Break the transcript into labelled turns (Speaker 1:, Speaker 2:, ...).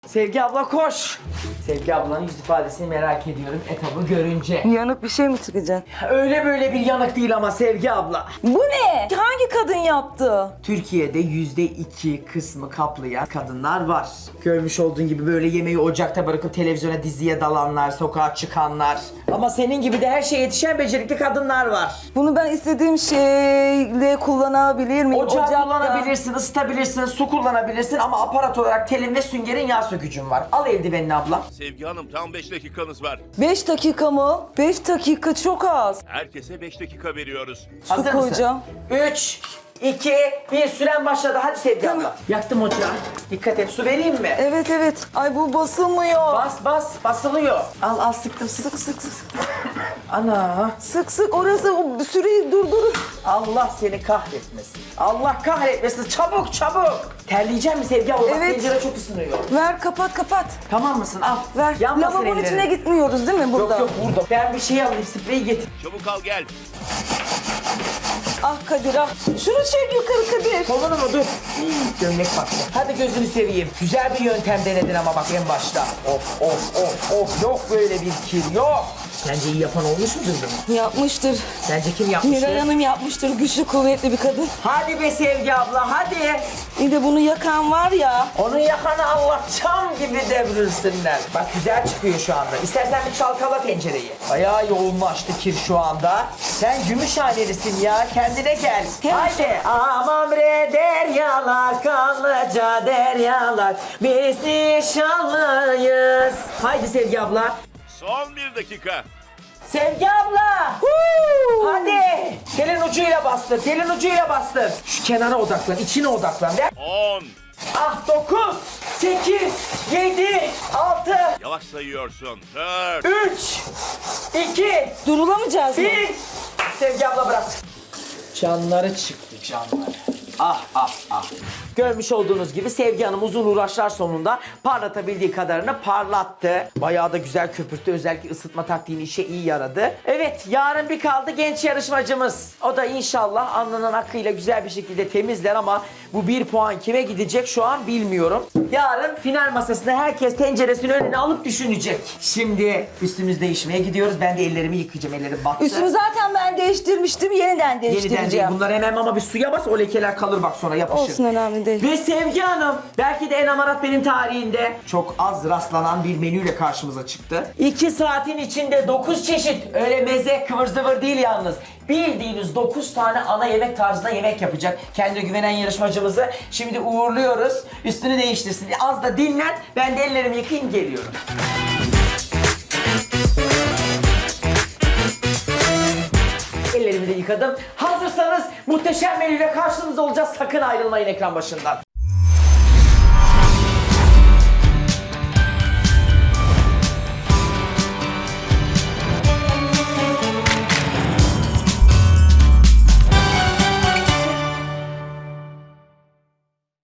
Speaker 1: Sevgi abla koş. Sevgi ablanın yüz ifadesini merak ediyorum etabı görünce.
Speaker 2: Yanık bir şey mi çıkacak?
Speaker 1: Öyle böyle bir yanık değil ama Sevgi abla.
Speaker 2: Bu ne? Hangi kadın yaptı?
Speaker 1: Türkiye'de %2 kısmı kaplayan kadınlar var. Görmüş olduğun gibi böyle yemeği ocakta bırakıp televizyona diziye dalanlar, sokağa çıkanlar. Ama senin gibi de her şeye yetişen becerikli kadınlar var.
Speaker 2: Bunu ben istediğim şeyle kullanabilir miyim?
Speaker 1: Ocağı
Speaker 2: Ocakta.
Speaker 1: kullanabilirsin, ısıtabilirsin, su kullanabilirsin ama aparat olarak telin ve süngerin yağ sökücün var. Al eldivenini abla.
Speaker 3: Sevgi Hanım tam 5 dakikanız var.
Speaker 2: 5 dakika mı? 5 dakika çok az.
Speaker 3: Herkese 5 dakika veriyoruz.
Speaker 1: Hazır
Speaker 2: koyacağım.
Speaker 1: mısın? 3, 2, 1 süren başladı. Hadi Sevgi abla. Yaktım ocağı. Dikkat et, su vereyim mi?
Speaker 2: Evet evet. Ay bu basılmıyor.
Speaker 1: Bas, basılıyor. Al sıktım.
Speaker 2: Sık sık sık.
Speaker 1: Ana.
Speaker 2: Sık sık orası o süreyi durdurun.
Speaker 1: Allah seni kahretmesin. Allah kahretmesin. Çabuk. Terleyecek mi Sevgi abla? Bak
Speaker 2: Evet.
Speaker 1: tencere çok ısınıyor.
Speaker 2: Ver kapat.
Speaker 1: Tamam mısın? Al.
Speaker 2: Ver.
Speaker 1: Yanmasın
Speaker 2: Lavabonun
Speaker 1: ellerin.
Speaker 2: içine gitmiyoruz değil mi burada?
Speaker 1: Yok burada. Ben bir şey alayım, spreyi getir.
Speaker 3: Çabuk al gel.
Speaker 2: Ah Kadir ah. Şunu çek yukarı Kadir.
Speaker 1: Kolunu mu? Dur. Gömlek baktı. Hadi gözünü seveyim. Güzel bir yöntem denedin ama bak en başta. Of. Yok böyle bir kir yok. Sence iyi yapan olmuş mudur bunu?
Speaker 2: Yapmıştır.
Speaker 1: Sence kim yapmıştır?
Speaker 2: Miray Hanım yapmıştır. Güçlü kuvvetli bir kadın.
Speaker 1: Hadi be Sevgi abla hadi.
Speaker 2: Bir de bunu yakan var ya.
Speaker 1: Onun yakanı Allah çam gibi devrilsinler. Bak güzel çıkıyor şu anda. İstersen bir çalkala tencereyi. Bayağı yoğunlaştı kir şu anda. Sen Gümüşhanelisin ya. Kendine gel. Haydi. Aman bre deryalar, kanlıca deryalar. Biz nişanlıyız. Haydi Sevgi abla.
Speaker 3: Son 1 dakika.
Speaker 1: Sevgi abla. Hadi. Telin ucuyla bastır. Şu kenara odaklan, içine odaklan. Ver.
Speaker 3: 10.
Speaker 1: Ah 9, 8, 7, 6,
Speaker 3: Yavaş sayıyorsun. 4.
Speaker 1: 3, 2,
Speaker 2: Durulamayacağız mı?
Speaker 1: 1. Sevgi abla bırak. Canları çıktı canları. Ah. Görmüş olduğunuz gibi Sevgi Hanım uzun uğraşlar sonunda parlatabildiği kadarını parlattı. Bayağı da güzel köpürttü. Özellikle ısıtma taktiğini işe iyi yaradı. Evet, yarın bir kaldı genç yarışmacımız. O da inşallah alnının akıyla güzel bir şekilde temizler ama bu 1 puan kime gidecek şu an bilmiyorum. Yarın final masasında herkes tenceresini önüne alıp düşünecek. Şimdi üstümüz değişmeye gidiyoruz. Ben de ellerimi yıkayacağım. Ellerim battı.
Speaker 2: Üstümü zaten ben değiştirmiştim. Yeniden değiştireceğim.
Speaker 1: Yeniden değil. Bunları hemen ama bir suya bas, o lekeler kalır bak sonra yapışır.
Speaker 2: Olsun, önemli değil.
Speaker 1: Ve Sevgi Hanım belki de en amarat benim tarihinde çok az rastlanan bir menüyle karşımıza çıktı. 2 saatin içinde 9 çeşit, öyle meze kıvır zıvır değil yalnız. Bildiğiniz 9 tane ana yemek tarzında yemek yapacak. Kendine güvenen yarışmacımızı şimdi uğurluyoruz. Üstünü değiştirsin. Az da dinlen, ben de ellerimi yıkayayım geliyorum. Ellerimi de yıkadım. Hazırsanız muhteşem menüyle karşınızda olacağız. Sakın ayrılmayın ekran başından.